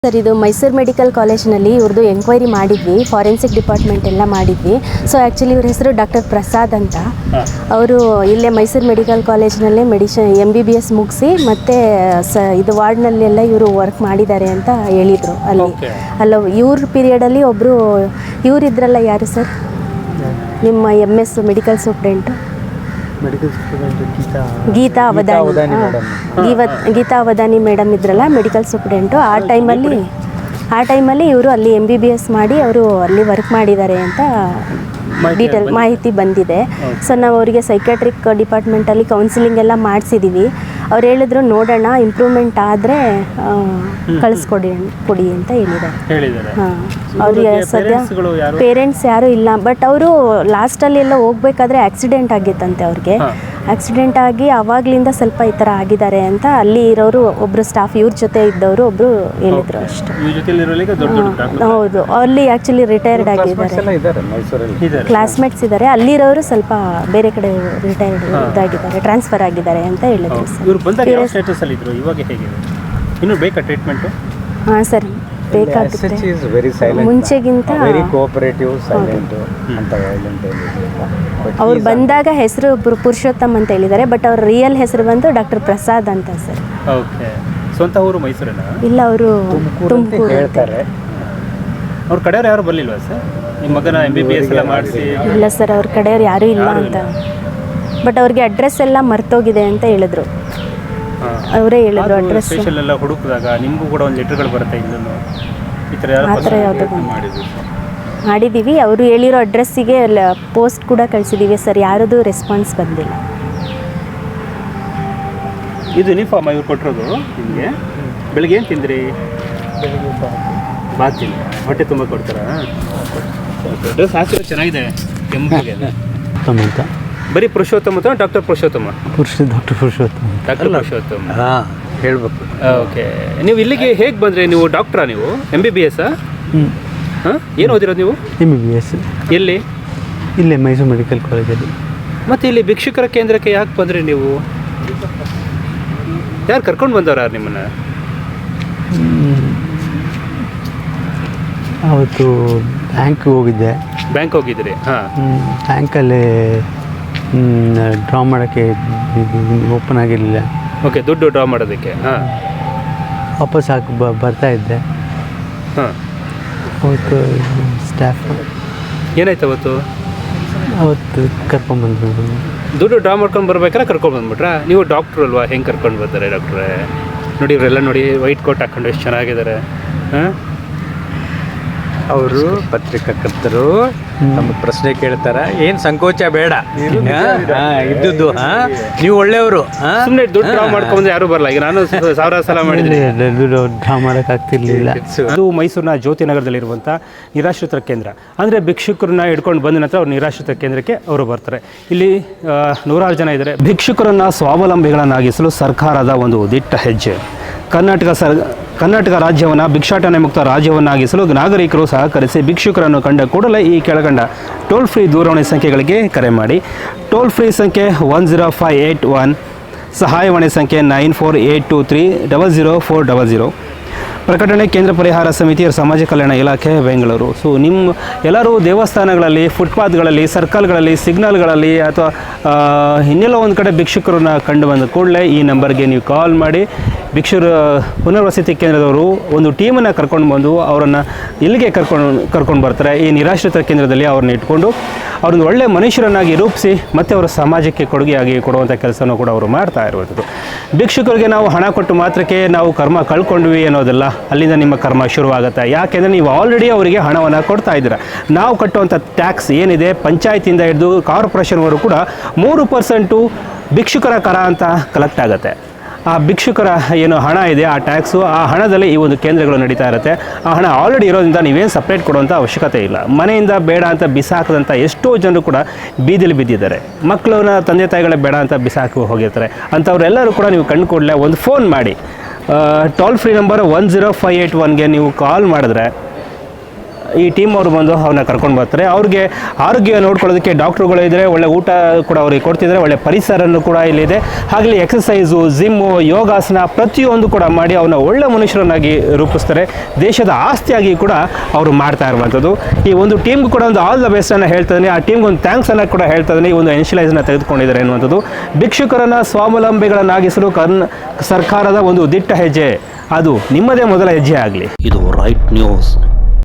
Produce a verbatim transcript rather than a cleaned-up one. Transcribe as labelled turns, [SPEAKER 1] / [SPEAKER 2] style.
[SPEAKER 1] Sir, ಇದು Mysuru medical ಕಾಲೇಜ್ನಲ್ಲಿ ಇವ್ರದ್ದು ಎಂಕ್ವೈರಿ ಮಾಡಿದ್ವಿ, ಫಾರೆನ್ಸಿಕ್ ಡಿಪಾರ್ಟ್ಮೆಂಟ್ ಎಲ್ಲ ಮಾಡಿದ್ವಿ. ಸೊ ಆ್ಯಕ್ಚುಲಿ ಇವ್ರ ಹೆಸರು ಡಾಕ್ಟರ್ ಪ್ರಸಾದ್ ಅಂತ. ಅವರು ಇಲ್ಲೇ ಮೈಸೂರು ಮೆಡಿಕಲ್ ಕಾಲೇಜ್ನಲ್ಲೇ medicine M B B S ಮುಗಿಸಿ ಮತ್ತು ಸ ಇದು ವಾರ್ಡ್ನಲ್ಲೆಲ್ಲ ಇವರು ವರ್ಕ್ ಮಾಡಿದ್ದಾರೆ ಅಂತ ಹೇಳಿದರು. ಅಲ್ಲಿ ಅಲ್ಲ ಇವ್ರ ಪೀರಿಯಡಲ್ಲಿ ಒಬ್ಬರು ಇವರಿದ್ರಲ್ಲ, ಯಾರು ಸರ್ ನಿಮ್ಮ M S medical superintendent? Geetha Avadhani Geetha Avadhani madam ಇದ್ರಲ್ಲ ಮೆಡಿಕಲ್ ಸೂಪ್ರೆಂಟು. ಆ ಟೈಮಲ್ಲಿ ಆ ಟೈಮಲ್ಲಿ ಇವರು ಅಲ್ಲಿ ಎಮ್ ಬಿ ಬಿ ಎಸ್ ಮಾಡಿ ಅವರು ಅಲ್ಲಿ ವರ್ಕ್ ಮಾಡಿದ್ದಾರೆ ಅಂತ ಡೀಟೇಲ್ ಮಾಹಿತಿ ಬಂದಿದೆ. ಸೊ ನಾವು ಅವರಿಗೆ ಸೈಕ್ಯಾಟ್ರಿಕ್ ಡಿಪಾರ್ಟ್ಮೆಂಟಲ್ಲಿ ಕೌನ್ಸಿಲಿಂಗ್ ಎಲ್ಲ ಮಾಡಿಸಿದ್ದೀವಿ. ಅವ್ರು ಹೇಳಿದ್ರು ನೋಡೋಣ, ಇಂಪ್ರೂವ್ಮೆಂಟ್ ಆದರೆ ಕಳಿಸ್ಕೊಡಿ ಕೊಡಿ ಅಂತ ಹೇಳಿದ್ದಾರೆ. ಹಾಂ, ಅವ್ರಿಗೆ ಸದ್ಯ ಪೇರೆಂಟ್ಸ್ ಯಾರೂ ಇಲ್ಲ. ಬಟ್ ಅವರು ಲಾಸ್ಟಲ್ಲಿ ಎಲ್ಲ ಹೋಗ್ಬೇಕಾದ್ರೆ ಆಕ್ಸಿಡೆಂಟ್ ಆಗಿತ್ತಂತೆ ಅವ್ರಿಗೆ. ಆಕ್ಸಿಡೆಂಟ್ ಆಗಿ ಆವಾಗಲಿಂದ ಸ್ವಲ್ಪ ಈ ಥರ ಆಗಿದ್ದಾರೆ ಅಂತ ಅಲ್ಲಿ ಇರೋರು ಒಬ್ಬರು ಸ್ಟಾಫ್ ಇವ್ರ ಜೊತೆ ಇದ್ದವರು ಒಬ್ಬರು ಹೇಳಿದರು ಅಷ್ಟೇ. ಹೌದು, ಅಲ್ಲಿ ಆ್ಯಕ್ಚುಲಿ ರಿಟೈರ್ಡ್ ಆಗಿದ್ದಾರೆ, ಕ್ಲಾಸ್ಮೇಟ್ಸ್ ಇದ್ದಾರೆ. ಅಲ್ಲಿರೋರು ಸ್ವಲ್ಪ ಬೇರೆ ಕಡೆ ರಿಟೈರ್ಡ್ ಇದಾಗಿದ್ದಾರೆ, ಟ್ರಾನ್ಸ್ಫರ್ ಆಗಿದ್ದಾರೆ ಅಂತ ಹೇಳಿದ್ರು ಸರ್. ಹಾಂ ಸರ್, ಬೇಕಾಗುತ್ತೆ. ಮುಂಚೆಗಿಂತ ಅವ್ರು ಬಂದಾಗ ಹೆಸರು ಪುರುಷೋತ್ತಮ್ ಅಂತ ಹೇಳಿದ್ದಾರೆ. ಬಟ್ ಅವ್ರ ರಿಯಲ್ ಹೆಸರು ಬಂದು ಡಾಕ್ಟರ್ ಪ್ರಸಾದ್ ಅಂತ ಸರ್.
[SPEAKER 2] ಸ್ವಂತ ಊರು ಮೈಸೂರಿನ?
[SPEAKER 1] ಇಲ್ಲ, ಅವರು ತುಮಕೂರು ಹೇಳ್ತಾರೆ.
[SPEAKER 2] ಅವ್ರ ಕಡೆಯವ್ರು ಯಾರು ಬರಲಿಲ್ವಾ ಸರ್? ನಿಮ್ಮ ಮಗನ ಎಂ ಬಿ ಬಿ ಎಸ್ ಎಲ್ಲ ಮಾಡಿಸಿ?
[SPEAKER 1] ಇಲ್ಲ ಸರ್, ಅವ್ರ ಕಡೆಯವ್ರು ಯಾರೂ ಇಲ್ಲ ಅಂತ. ಬಟ್ ಅವ್ರಿಗೆ ಅಡ್ರೆಸ್ ಎಲ್ಲ ಮರ್ತೋಗಿದೆ ಅಂತ ಹೇಳಿದ್ರು. ಅವರೇ ಹೇಳಿದ್ರು ಅಡ್ರೆಸ್.
[SPEAKER 2] ಸ್ಪೆಷಲ್ ಎಲ್ಲ ಹುಡುಕಿದಾಗ ನಿಮಗೂ ಕೂಡ ಒಂದು ಲೆಟರ್ಗಳು ಬರುತ್ತೆ, ಇನ್ನೂ ಈ ಥರ
[SPEAKER 1] ಆ ಥರ ಯಾವುದು ಮಾಡಿದ್ದೀವಿ. ಅವರು ಹೇಳಿರೋ ಅಡ್ರೆಸ್ಸಿಗೆ ಪೋಸ್ಟ್ ಕೂಡ ಕಳಿಸಿದ್ದೀವಿ ಸರ್, ಯಾರದು ರೆಸ್ಪಾನ್ಸ್ ಬಂದಿಲ್ಲ.
[SPEAKER 2] ಇದು ಯೂನಿಫಾರ್ಮ್ ಇವ್ರು ಕೊಟ್ಟಿರೋದು ನಿಮಗೆ? ಬೆಳಿಗ್ಗೆ ಏನು ತಿಂದ್ರಿ? ಬಾತ್ ತಿಂದ ಹೊಟ್ಟೆ ತುಂಬ ಕೊಡ್ತಾರಾ? ಡ್ರೆಸ್ ಹಾಕಿರೋ ಚೆನ್ನಾಗಿದೆ, ಕೆಂಪಿಗೆ. ಬರೀ ಪುರುಷೋತ್ತಮ ಅಥವಾ ಡಾಕ್ಟರ್ ಪುರುಷೋತ್ತಮ?
[SPEAKER 3] ಪುರುಷ ಡಾಕ್ಟರ್ ಪುರುಷೋತ್ತಮ.
[SPEAKER 2] ಡಾಕ್ಟರ್ ಪುರುಷೋತ್ತಮ,
[SPEAKER 3] ಹಾಂ ಹೇಳ್ಬೇಕು.
[SPEAKER 2] ಓಕೆ, ನೀವು ಇಲ್ಲಿಗೆ ಹೇಗೆ ಬಂದರೆ? ನೀವು ಡಾಕ್ಟ್ರಾ? ನೀವು ಎಮ್ ಬಿ ಬಿ ಎಸ್ಸಾ? ಹಾಂ, ಏನು ಓದಿರೋದು ನೀವು?
[SPEAKER 3] M B B S.
[SPEAKER 2] ಎಲ್ಲಿ?
[SPEAKER 3] ಇಲ್ಲೇ ಮೈಸೂರು ಮೆಡಿಕಲ್ ಕಾಲೇಜಲ್ಲಿ.
[SPEAKER 2] ಮತ್ತು ಇಲ್ಲಿ ಭಿಕ್ಷುಕರ ಕೇಂದ್ರಕ್ಕೆ ಯಾಕೆ ಬಂದ್ರಿ ನೀವು? ಯಾರು ಕರ್ಕೊಂಡು ಬಂದವ್ರ ನಿಮ್ಮನ್ನು?
[SPEAKER 3] ಅವತ್ತು ಬ್ಯಾಂಕ್ ಹೋಗಿದ್ದೆ.
[SPEAKER 2] ಬ್ಯಾಂಕ್ ಹೋಗಿದ್ರಿ? ಹಾಂ.
[SPEAKER 3] ಬ್ಯಾಂಕಲ್ಲಿ ಡ್ರಾ ಮಾಡೋಕ್ಕೆ ಓಪನ್ ಆಗಿರಲಿಲ್ಲ.
[SPEAKER 2] ಓಕೆ, ದುಡ್ಡು ಡ್ರಾ ಮಾಡೋದಕ್ಕೆ. ಹಾಂ,
[SPEAKER 3] ವಾಪಸ್ ಹಾಕಿ ಬ ಬರ್ತಾ ಇದ್ದೆ.
[SPEAKER 2] ಹಾಂ,
[SPEAKER 3] ಅವತ್ತು ಸ್ಟಾಫ್
[SPEAKER 2] ಏನಾಯ್ತು ಅವತ್ತು?
[SPEAKER 3] ಅವತ್ತು ಕರ್ಕೊಂಡ್ಬಂದು
[SPEAKER 2] ದುಡ್ಡು ಡ್ರಾ ಮಾಡ್ಕೊಂಡು ಬರ್ಬೇಕಾರೆ ಕರ್ಕೊಂಡು ಬಂದ್ಬಿಟ್ರಾ? ನೀವು ಡಾಕ್ಟ್ರು ಅಲ್ವಾ, ಹೆಂಗೆ ಕರ್ಕೊಂಡು ಬರ್ತಾರೆ ಡಾಕ್ಟ್ರೇ? ನೋಡಿ ಇವರೆಲ್ಲ ನೋಡಿ, ವೈಟ್ ಕೋಟ್ ಹಾಕ್ಕೊಂಡು ಎಷ್ಟು ಚೆನ್ನಾಗಿದ್ದಾರೆ. ಹಾಂ,
[SPEAKER 4] ಅವರು ಪತ್ರಿಕಾಕರ್ತರು ನಮ್ಮ ಪ್ರಶ್ನೆ ಕೇಳ್ತಾರ, ಏನು ಸಂಕೋಚ ಬೇಡ, ಇದ್ದದ್ದು. ಹಾಂ, ನೀವು ಒಳ್ಳೆಯವರು.
[SPEAKER 2] ಸುಮ್ಮನೆ ದುಡ್ಡು ಡ್ರಾ ಮಾಡ್ಕೊಂಡು ಯಾರು ಬರಲ್ಲ. ಈಗ ನಾನು ಸಾವಿರ ಸಲ ಮಾಡಿದ್ದೀನಿ,
[SPEAKER 3] ಡ್ರಾ ಮಾಡೋಕ್ಕಾಗ್ತಿರ್ಲಿಲ್ಲ.
[SPEAKER 2] ಅದು ಮೈಸೂರಿನ ಜ್ಯೋತಿ ನಗರದಲ್ಲಿರುವಂಥ ನಿರಾಶ್ರಿತರ ಕೇಂದ್ರ. ಅಂದರೆ ಭಿಕ್ಷುಕರನ್ನ ಹಿಡ್ಕೊಂಡು ಬಂದ ನಂತರ ಅವ್ರು ನಿರಾಶ್ರಿತ ಕೇಂದ್ರಕ್ಕೆ ಅವರು ಬರ್ತಾರೆ. ಇಲ್ಲಿ ನೂರಾರು ಜನ ಇದ್ದಾರೆ. ಭಿಕ್ಷುಕರನ್ನು ಸ್ವಾವಲಂಬಿಗಳನ್ನಾಗಿಸಲು ಸರ್ಕಾರದ ಒಂದು ದಿಟ್ಟ ಹೆಜ್ಜೆ. ಕರ್ನಾಟಕ ಸರ್ ಕರ್ನಾಟಕ ರಾಜ್ಯವನ್ನು ಭಿಕ್ಷಾಟನೆ ಮುಕ್ತ ರಾಜ್ಯವನ್ನಾಗಿಸಲು ನಾಗರಿಕರು ಸಹಕರಿಸಿ ಭಿಕ್ಷುಕರನ್ನು ಕಂಡ ಕೂಡಲೇ ಈ ಕೆಳಗಂಡ ಟೋಲ್ ಫ್ರೀ ದೂರವಾಣಿ ಸಂಖ್ಯೆಗಳಿಗೆ ಕರೆ ಮಾಡಿ. ಟೋಲ್ ಫ್ರೀ ಸಂಖ್ಯೆ one zero five eight one, ಸಹಾಯವಾಣಿ ಸಂಖ್ಯೆ nine four eight two three double zero four double zero. ಪ್ರಕಟಣೆ ಕೇಂದ್ರ ಪರಿಹಾರ ಸಮಿತಿ, ಸಮಾಜ ಕಲ್ಯಾಣ ಇಲಾಖೆ, ಬೆಂಗಳೂರು. ಸೊ ನಿಮ್ಮ ಎಲ್ಲರೂ ದೇವಸ್ಥಾನಗಳಲ್ಲಿ, ಫುಟ್ಪಾತ್ಗಳಲ್ಲಿ, ಸರ್ಕಲ್ಗಳಲ್ಲಿ, ಸಿಗ್ನಲ್ಗಳಲ್ಲಿ ಅಥವಾ ಇನ್ನೆಲ್ಲ ಒಂದು ಕಡೆ ಭಿಕ್ಷುಕರನ್ನ ಕಂಡು ಬಂದ ಕೂಡಲೇ ಈ ನಂಬರ್ಗೆ ನೀವು ಕಾಲ್ ಮಾಡಿ. ಭಿಕ್ಷುರ ಪುನರ್ವಸತಿ ಕೇಂದ್ರದವರು ಒಂದು ಟೀಮನ್ನು ಕರ್ಕೊಂಡು ಬಂದು ಅವರನ್ನು ಇಲ್ಲಿಗೆ ಕರ್ಕೊಂಡು ಕರ್ಕೊಂಡು ಬರ್ತಾರೆ. ಈ ನಿರಾಶ್ರಿತ ಕೇಂದ್ರದಲ್ಲಿ ಅವ್ರನ್ನ ಇಟ್ಕೊಂಡು ಅವ್ರನ್ನ ಒಳ್ಳೆಯ ಮನುಷ್ಯರನ್ನಾಗಿ ರೂಪಿಸಿ ಮತ್ತು ಅವರ ಸಮಾಜಕ್ಕೆ ಕೊಡುಗೆಯಾಗಿ ಕೊಡುವಂಥ ಕೆಲಸನೂ ಕೂಡ ಅವರು ಮಾಡ್ತಾ ಇರುವಂಥದ್ದು. ಭಿಕ್ಷುಕರಿಗೆ ನಾವು ಹಣ ಕೊಟ್ಟು ಮಾತ್ರಕ್ಕೆ ನಾವು ಕರ್ಮ ಕಳ್ಕೊಂಡ್ವಿ ಅನ್ನೋದಲ್ಲ. ಅಲ್ಲಿಂದ ನಿಮ್ಮ ಕರ್ಮ ಶುರುವಾಗುತ್ತೆ. ಯಾಕೆಂದರೆ ನೀವು ಆಲ್ರೆಡಿ ಅವರಿಗೆ ಹಣವನ್ನು ಕೊಡ್ತಾ ಇದ್ದೀರ. ನಾವು ಕಟ್ಟುವಂಥ ಟ್ಯಾಕ್ಸ್ ಏನಿದೆ, ಪಂಚಾಯತಿಂದ ಹಿಡಿದು ಕಾರ್ಪೊರೇಷನ್ವರೆಗೂ ಕೂಡ ಮೂರು ಪರ್ಸೆಂಟು ಭಿಕ್ಷುಕರ ಕರ ಅಂತ ಕಲೆಕ್ಟ್ ಆಗುತ್ತೆ. ಆ ಭಿಕ್ಷುಕರ ಏನು ಹಣ ಇದೆ, ಆ ಟ್ಯಾಕ್ಸು, ಆ ಹಣದಲ್ಲಿ ಈ ಒಂದು ಕೇಂದ್ರಗಳು ನಡೀತಾ ಇರುತ್ತೆ. ಆ ಹಣ ಆಲ್ರೆಡಿ ಇರೋದ್ರಿಂದ ನೀವೇನು ಸಪ್ರೇಟ್ ಕೊಡುವಂಥ ಅವಶ್ಯಕತೆ ಇಲ್ಲ. ಮನೆಯಿಂದ ಬೇಡ ಅಂತ ಬಿಸಾಕದಂಥ ಎಷ್ಟೋ ಜನರು ಕೂಡ ಬೀದಿಲಿ ಬಿದ್ದಿದ್ದಾರೆ. ಮಕ್ಕಳನ್ನ ತಂದೆ ತಾಯಿಗಳೇ ಬೇಡ ಅಂತ ಬಿಸಾಕಿ ಹೋಗಿರ್ತಾರೆ. ಅಂಥವ್ರೆಲ್ಲರೂ ಕೂಡ ನೀವು ಕಂಡು ಕೂಡಲೇ ಒಂದು ಫೋನ್ ಮಾಡಿ. Toll free number one zero five eight ಒನ್ಗೆ ನೀವು ಕಾಲ್ ಮಾಡಿದ್ರೆ ಈ ಟೀಮ್ ಅವರು ಬಂದು ಅವನ್ನ ಕರ್ಕೊಂಡು ಬರ್ತಾರೆ. ಅವ್ರಿಗೆ ಆರೋಗ್ಯ ನೋಡ್ಕೊಳ್ಳೋದಕ್ಕೆ ಡಾಕ್ಟ್ರುಗಳು ಇದ್ದಾರೆ, ಒಳ್ಳೆ ಊಟ ಕೂಡ ಅವ್ರಿಗೆ ಕೊಡ್ತಿದ್ದಾರೆ, ಒಳ್ಳೆ ಪರಿಸರನ್ನು ಕೂಡ ಇಲ್ಲಿದೆ. ಹಾಗಲಿ ಎಕ್ಸಸೈಸು, ಜಿಮ್ಮು, ಯೋಗಾಸನ ಪ್ರತಿಯೊಂದು ಕೂಡ ಮಾಡಿ ಅವನ್ನ ಒಳ್ಳೆ ಮನುಷ್ಯರನ್ನಾಗಿ ರೂಪಿಸ್ತಾರೆ. ದೇಶದ ಆಸ್ತಿಯಾಗಿ ಕೂಡ ಅವರು ಮಾಡ್ತಾ ಇರುವಂಥದ್ದು. ಈ ಒಂದು ಟೀಮ್ಗೂ ಕೂಡ ಒಂದು ಆಲ್ ದ ಬೆಸ್ಟನ್ನು ಹೇಳ್ತಾ ಇದ್ದೀನಿ. ಆ ಟೀಮ್ಗೆ ಒಂದು ಥ್ಯಾಂಕ್ಸನ್ನು ಕೂಡ ಹೇಳ್ತಾ ಇದ್ದೀನಿ. ಈ ಒಂದು ಇನಿಷಿಯಲೈಸನ್ನು ತೆಗೆದುಕೊಂಡಿದ್ದಾರೆ ಅನ್ನುವಂಥದ್ದು. ಭಿಕ್ಷುಕರನ್ನು ಸ್ವಾವಲಂಬಿಗಳನ್ನಾಗಿಸಲು ಕರ್ನ ಸರ್ಕಾರದ ಒಂದು ದಿಟ್ಟ ಹೆಜ್ಜೆ, ಅದು ನಿಮ್ಮದೇ ಮೊದಲ ಹೆಜ್ಜೆ ಆಗಲಿ.
[SPEAKER 5] ಇದು ರೈಟ್ ನ್ಯೂಸ್.